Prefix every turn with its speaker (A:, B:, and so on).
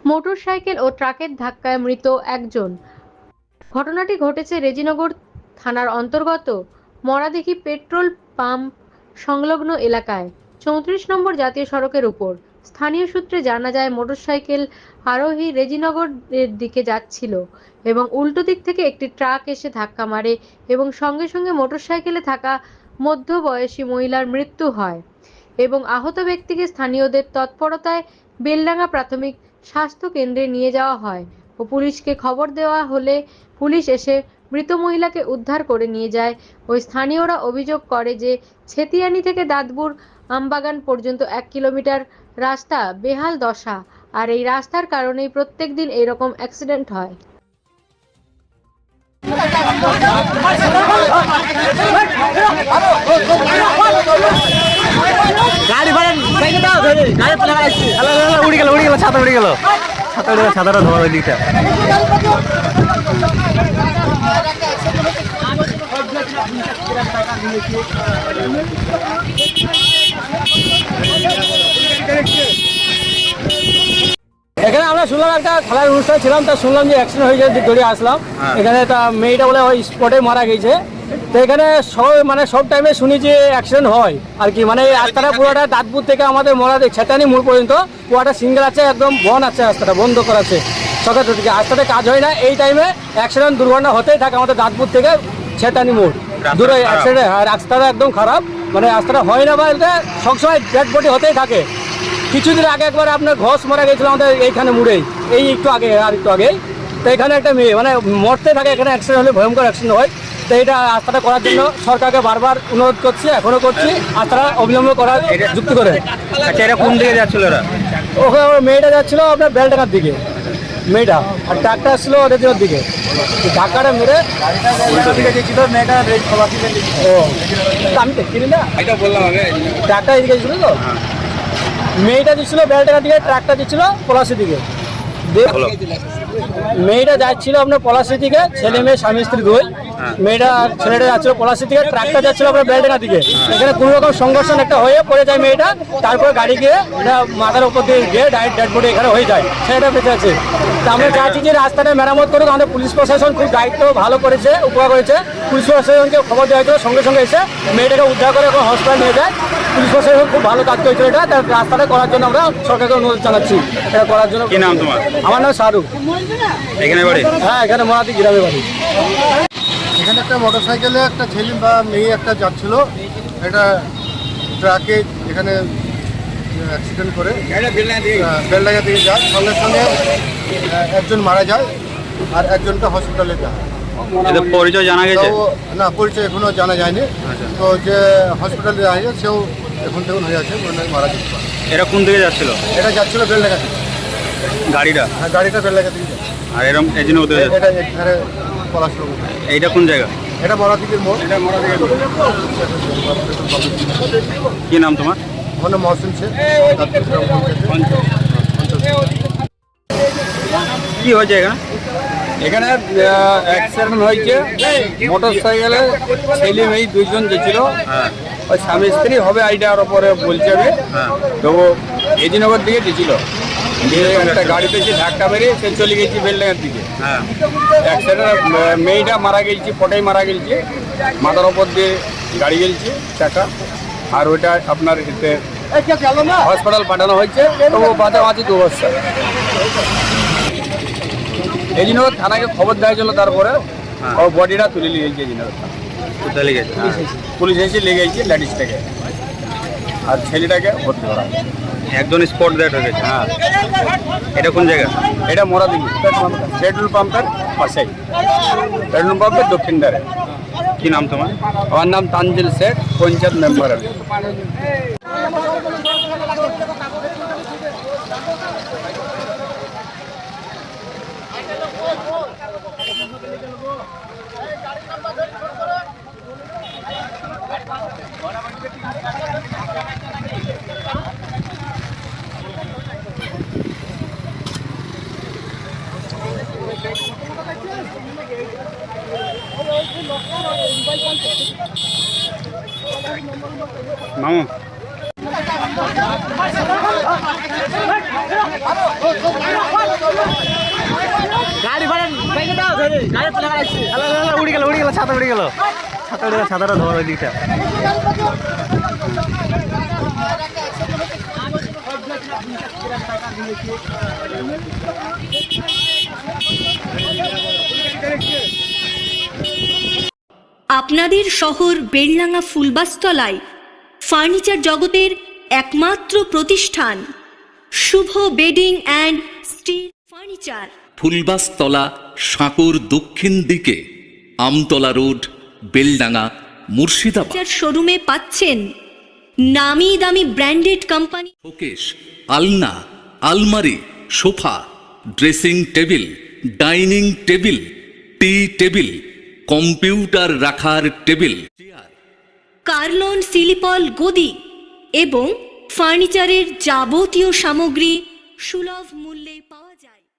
A: Motorcycle ও ট্রাকের ধাক্কায় মৃত একজন। ঘটনাটি ঘটেছে রেজিনগর থানার অন্তর্গত মরাদিঘি পেট্রোল পাম্প সংলগ্ন এলাকায় 34 নম্বর জাতীয় সড়কের উপর। স্থানীয় সূত্রে জানা যায়, মোটরসাইকেল আরোহী রেজিনগরের দিকে যাচ্ছিল এবং উল্টো দিক থেকে একটি ট্রাক এসে ধাক্কা মারে এবং সঙ্গে সঙ্গে মোটরসাইকেলে থাকা মধ্যবয়সী মহিলার মৃত্যু হয় এবং আহত ব্যক্তিকে স্থানীয়দের তৎপরতায় বেলডাঙ্গা প্রাথমিক স্বাস্থ্য কেন্দ্রে নিয়ে যাওয়া হয় ও পুলিশকে খবর দেওয়া হলে পুলিশ এসে মৃত মহিলাকে উদ্ধার করে নিয়ে যায়। ওই স্থানীয়রা অভিযোগ করে যে ছেতিয়ানি থেকে দাঁতপুর আমবাগান পর্যন্ত 1 কিলোমিটার রাস্তা বেহাল দশা, আর এই রাস্তার কারণেই প্রত্যেক দিন এরকম অ্যাক্সিডেন্ট হয়।
B: গাড়ি ভাড়া বাইকে দাও ধরে গাড়ি পড়ে আসছে উড়ে গেল ছাতা উড়ে গেল ছাতাটা ধোয়া ওই দিকটা। এখানে আমরা শুনলাম একটা খেলার অনুষ্ঠান ছিলাম, তা শুনলাম যে অ্যাক্সিডেন্ট হয়ে গেছে, দৌড়ে আসলাম। এখানে তা মেয়েটা বলে ওই স্পটে মারা গেছে। তো এখানে সব টাইমে শুনি যে অ্যাক্সিডেন্ট হয় আর কি, মানে এই রাস্তাটা পুরোটা দাঁতপুর থেকে আমাদের ছেতানি মোড় পর্যন্ত পুরোটা সিঙ্গেল আছে, একদম বন আছে, রাস্তাটা বন্ধ করা আছে সকাল থেকে। রাস্তাতে কাজ হয় না, এই টাইমে অ্যাক্সিডেন্ট দুর্ঘটনা হতেই থাকে আমাদের দাঁতপুর থেকে ছেতানি মোড় দূরে অ্যাক্সিডেন্ট। আর রাস্তাটা একদম খারাপ, মানে রাস্তাটা হয় না বলতে সবসময় ডেড বডি হতেই থাকে। কিছুদিন আগে একবার আপনার ঘষ মারা গেছিল আমাদের এইখানে মুড়েই, এই একটু আগে আর একটু আগেই। তো এখানে একটা মেয়ে মানে মরতে থাকে, এখানে অ্যাক্সিডেন্ট হলে ভয়ঙ্কর অ্যাক্সিডেন্ট হয়। তো এটা রাস্তাটা করার জন্য সরকারকে বারবার অনুরোধ করছি, এখনো করছি, রাস্তাটা অবিলম্ব করার যুক্তি করে।
C: আচ্ছা, এটা কোন দিকে যাচ্ছিল ওরা?
B: ওখানে মেয়েটা যাচ্ছিল আপনার বেলডাঙ্গার দিকে মেয়েটা, আর ট্রাকটা আসছিল রেজিনগর দিকে। ধাক্কাটা মেরে
C: মেয়েটা
B: ও আমি দেখিনি না,
C: এটা বললাম আগে।
B: ট্রাকটা এদিকে ছিল তো, মেয়েটা দিচ্ছিল বেলডাঙ্গার দিকে, ট্রাকটা দিচ্ছিল পলাশির দিকে। মেয়েটা যাচ্ছিল আপনার পলাশির দিকে, ছেলে মেয়ে স্বামী স্ত্রী দুই। ছেলেটা যাচ্ছিল পলাশির দিকে, ট্রাকটা যাচ্ছিল আপনার বেলডাঙ্গার দিকে। এখানে কোনো রকম সংঘর্ষণ একটা হয়ে পড়ে যায় মেয়েটা, তারপরে গাড়ি গিয়ে এটা মাথার উপর দিয়ে গিয়ে ডাইরেক্ট ডেড বডি এখানে হয়ে যায়, ছেলেটা বেঁচে আছে। তা আমরা চাইছি যে রাস্তাটা মেরামত করুক। আমাদের পুলিশ প্রশাসন খুব দায়িত্ব ভালো করেছে, উপকার করেছে। পুলিশ প্রশাসনকে খবর দেওয়া হয়েছিল, সঙ্গে সঙ্গে এসে মেয়েটাকে উদ্ধার করে এখন হসপিটাল নিয়ে যায়। পুলিশ প্রশাসন খুব ভালো কাজ করেছিল এটা, তার রাস্তাটা করার জন্য আমরা সরকারকে অনুরোধ জানাচ্ছি এটা করার জন্য।
C: কি নাম তোমার?
B: আমার নাম শাহরুখ।
C: এখানে বাড়ি?
B: হ্যাঁ, এখানে মরাদি গ্রামে বাড়ি।
D: এখানে একটা মোটরসাইকেলে একটা ছেলে বা মেয়ে একটা যাচ্ছিল, এটা ট্রাকে এখানে অ্যাক্সিডেন্ট করে বেলডাঙ্গা দিকে যায়। সঙ্গে সঙ্গে একজন মারা যায় আর একজনকে হসপিটালে যায়।
C: এদের পরিচয় জানা গেছে?
D: না, পরিচয় এখনো জানা যায়নি। তো যে হসপিটালে যায় সেও এখন থেকে হয়ে আছে, মারা যেতে পারে।
C: এরা কোন দিকে যাচ্ছিল?
D: এটা যাচ্ছিল বেলডাঙ্গা দিকে,
C: গাড়িটা?
D: হ্যাঁ গাড়িটা বেলডাঙ্গা দিকে যায়।
C: আর এরকম এজন্য ওদের
D: এটা এখানে পলাশপুর।
C: এইটা কোন জায়গা?
D: এটা মরাদিকের মোড়। এটা মরাদিকের
C: কি নাম তোমার?
D: আমার নাম মহসিন শেখ।
C: কি হয়েছে এখানে?
B: এখানে অ্যাক্সিডেন্ট হয়েছে, মোটর সাইকেলে ছেলে মেয়ে দুইজন গেছিল। ওই স্বামী স্ত্রী হবে আইডিয়ার ওপরে বলছে আমি। তো এজিনগর দিকে গেছিল, একটা গাড়িতে এসে ধাক্কা মেরে সে চলে গেছি বেলডাঙ্গার দিকে। অ্যাক্সিডেন্ট মেয়েটা মারা গেছি, পটাই মারা গেছি, মাথার ওপর দিয়ে গাড়ি গেছে চাকা। আর ওইটা আপনার এতে হসপিটাল পাঠানো হয়েছে, তো বাঁচা বাঁচি 2 বছর। এজিনগর থানাকে খবর দেওয়া ছিল, তারপরে ও বডিটা তুলে নিয়ে গেছে এজিনগর থানা।
C: কোথায় লেগেছে?
B: পুলিশ এসে লেগে গেছে লেডিস থেকে, আর ছেলেটাকে ভর্তি করা।
C: একজন স্পট ডেড হয়ে গেছে।
B: হ্যাঁ,
C: এটা কোন জায়গা?
B: এটা মরাদিঘি পেট্রোল পাম্পের পাশেই, পেট্রোল পাম্পের দক্ষিণ ধারে।
C: কি নাম তোমার?
B: আমার নাম তানজিল শেখ, পঞ্চায়েত মেম্বার আমি।
C: মামু
B: উড়ে গেল ছাতা উড়ে গেল ছাতাটা ধোয়া দিকটা
E: আপনাদের শহর বেলডাঙ্গা ফুলবাসতলায় ফার্নিচার জগতের একমাত্র প্রতিষ্ঠান Shubho bedding and steel furniture,
F: Fulbastala, সাঁকোর দক্ষিণ দিকে, আমতলা রোড, বেলডাঙ্গা, মুর্শিদাবাদ।
E: শোরুমে পাচ্ছেন নামি দামি ব্র্যান্ডেড কোম্পানি
F: শোকেস, আলনা, আলমারি, sofa, dressing table, dining table, T table, computer রাখার টেবিল, চেয়ার,
E: কার্লন সিলিপল গদি এবং ফার্নিচারের যাবতীয় সামগ্রী সুলভ মূল্যে পাওয়া যায়।